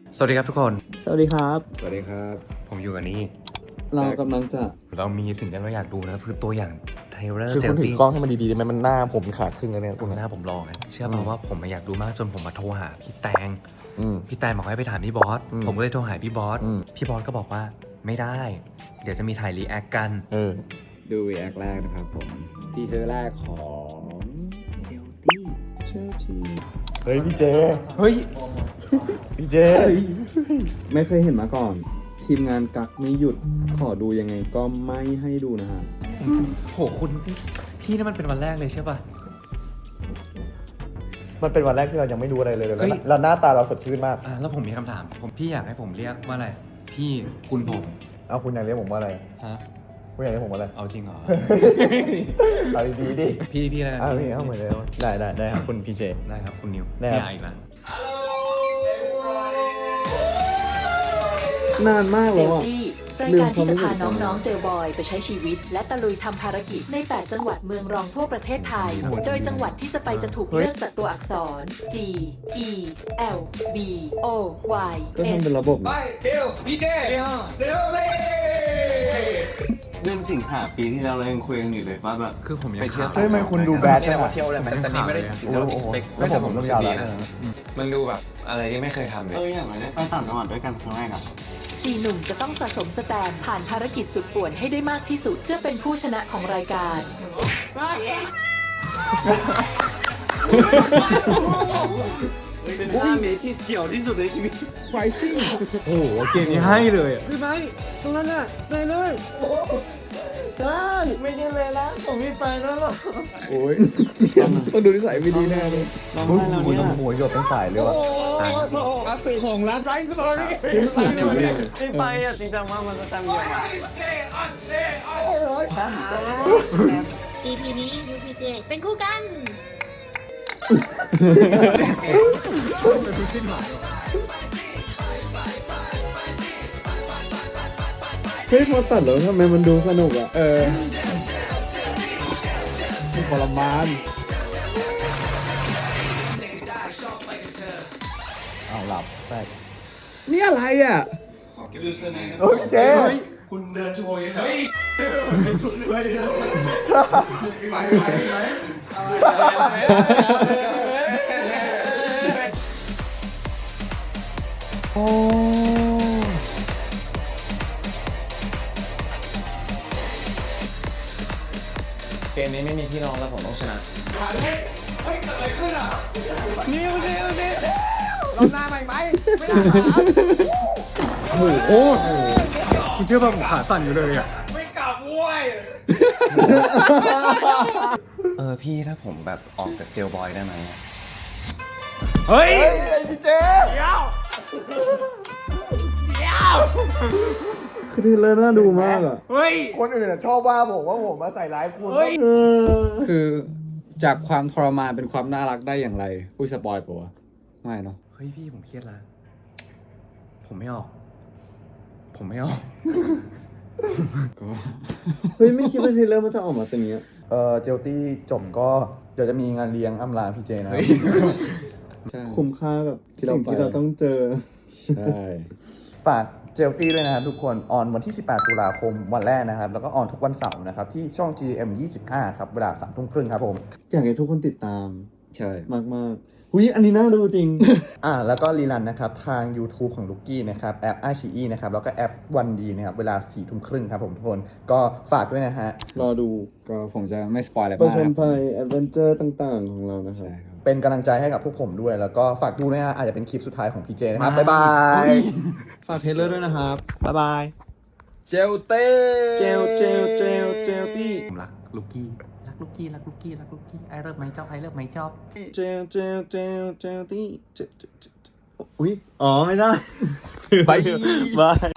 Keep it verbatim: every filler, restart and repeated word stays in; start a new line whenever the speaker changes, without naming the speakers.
สวัสดีครับทุกคน
สวัสดีครับ
สวัสดีครับ
ผมอยู่กับนี่
เรากำลังจะ
เรามีสิ่งที่เราอยากดูนะคือตัวอย่างไทเลอร์
คือ
เจ
คุ
ล
ณถือ
ตี้
กล้องให้มันดีๆได้ไหมมันหน้าผมขาดครึ่งแล้วเนี่ยคุณ
หน้าผมรองเชื่อป่าว่าผมอยากดูมากจนผมมาโทรหาพี่แตง
อืม
พี่แตงบอกให้ไปถามพี่บอส
อืม
ผมก็เลยโทรหาพี่บอส
อืม
พี่บอสก็บอกว่าไม่ได้ เดี๋ยวจะมีถ่ายรีแอคกัน
เออ
ดู react แรกนะครับผมทีเซอร์แรกของเจลตี้
เชลที
เฮ้ยพี่เจ
เฮ้ย
พี่เจ
ไม่เคยเห็นมาก่อน ทีมงานกักไม่หยุดขอดูยังไงก็ไม่ให้ดูนะฮะ
โหคุณพี่นั่นมันเป็นวันแรกเลยใช่ป่ะ
มันเป็นวันแรกที่เรายังไม่รู้อะไรเลย
เฮ้ย
แล้วหน้าตาเราสดชื่นมาก
อ่ะแล้วผมมีคำถามผมพี่อยากให้ผมเรียกว่าอะไรพี่คุณผม
เอาคุณอยากเรียกผมว่าอะไร
ฮะ
คุณอยากเรียกผมว่าอะไร
เอาจริงเหรอ
เอาดีๆดิ
พี่พี่อะไรกัน
เอาพี่เอาเหมือนเดิมได้ได้ได้ครับคุณพี่เจ
ได้ครับคุณนิว
ได้ครับ
พี่อาอีกแล้ว
นานมาก
เจ
แล้ว
ล
อ่ะ
ตี้รายการที่จะพาน้องๆเจลบอยไปใช้ชีวิต และตะลุยทำภารกิจใน แปด จังหวัดเมืองรองทั่วประเทศไทย โดยจังหวัดที่จะไปจะถูกเลือกจากตัวอักษร G E L B O Y
ก็
S
ทำเป็นระบบนะ
เกลพี่เจเร็วเลย
เรื่องสิงหาปีที่เรายังคุยกันอยู่เลยว่าแบบ
คือผมยัง
ไปเที่ยว
ขาด
เฮ้ยทำไมคุณดูแบด
นี่
จั
แห
ง
ละ
อะ
ว่าเที่ยวได้ไหมแต่นี่ไม่ได้สิ่งที่เรา expect
แล้วผมรู้สึกดีนะ
มันดูแบบอะไรที่ไม่เคยทำเล
เออย อย่างไรได้ไปต่างจังหวัดด้วยกันครั้งแรกอะ
สี่หนุ่มจะต้องสะสมสแตมป์ผ่านภารกิจสุดป่วนให้ได้มากที่สุดเพื่อเป็นผู้ชนะของรายการ
เป็นห้าเมตรที่เสียวที่สุดในชีวิต
โอ้โหเกมนี้ให้เลยอ่ะ
ไม่ได้เลยนะผมไม่ไปแล้วหรอก
โอ้ยต้องดูนิสัยไม่ดีแน่เลย
ร้อง
มึง
ไห้แล้ว
คุณ
เนี่ย
หัวหยดเป็นสายเลยว่ะ
ไม่ไปอ่ะจริงจังว่ามันจะจำเยอะ
อี พี นี้ยู พี เจ เป็นคู่กัน
เฮ้ยพอตัดแล้วทำไมมันดูสนุกอ่ะ เออทรมาน
เอาหลับใช่
นี่อะไรอ่ะ
เฮ้ยพี่เจ
คุณเดินโชว์ยังไง
โอ้
เกมนี้ไม่มีพี่น้องแล้วผมต้องชนะ
โหคุณเชื่อป่ะผมขาสั่นอยู่เลยอ่ะ
เออพี่ถ้าผมแบบออกจากเจลบอยได้ไหม
เฮ้ยพี่เจ
คือเทรลเลอร์น่าดูมากอ่ะ
คนอื่นอะชอบว่าผมว่าผมมาใส่ร้ายคุณ
เออ
คือจากความทรมานเป็นความน่ารักได้อย่างไรอุ้ยสปอยปะวะไม่เนาะ
เฮ้ยพี่ผมเครียดละผมไม่ออก ผมไม่ออก
ก็
เฮ้ยไม่คิดว่าเทรลเลอร์มันจะออกมาเป็นอย่างเงี้ย
เออเจลตี้จบก็เดี๋ยวจะมีงานเลี้ยงอำลาพี่เจนะ
ใช่
คุ้มค่ากับ
ที่เรา
สิ่งที่
ไป
เราต้องเจอ
ใช่
ฝากเจลตี้ด้วยนะครับทุกคนออนวันที่สิบแปดตุลาคมวันแรกนะครับแล้วก็ออนทุกวันเสาร์นะครับที่ช่อง จี เอ็ม ยี่สิบห้าครับเวลาสามทุ่มครึ่งครับผม
อยากให้ทุกคนติดตาม
ใช่
มากๆหุยอันนี้น่าดูจริง
อ่าแล้วก็รีลันนะครับทาง YouTube ของลูกกี้นะครับแอป ไอ ซี อี นะครับแล้วก็แอปวันดีนะครับเวลาสี่ทุ่มครึ่งครับผมทุกคนก็ฝากด้วยนะฮะ
รอดู
ก็ผมจะไม่สปอยอะไร
ประ
มาก
ชน
ครับ
ภัยแอดเวนเจอร์ต่างๆ ของเรานะครับ
ใช่ครับ
เป็นกำลังใจให้กับพวกผมด้วย แล้วก็ฝากดูนะฮะอาจจะเป็นคลิปสุดท้ายของพีเจนะครับ บ๊ายบาย
ฝากเทรลเลอร์ด้วยนะครับ บ๊ายบาย
เจลเต้
เจลเจลเจลเจลตี้
ผมรักลูกกี้ รักลูกกี้ รักลูกกี้ รักลูกกี้ ไอเลิฟไหมจอบไอเลิฟไหมจอบ
เจลเจลเจลเจลตี้เจลเจลเจลอุ้ย อ๋อ ไม่ได้
บาย
บาย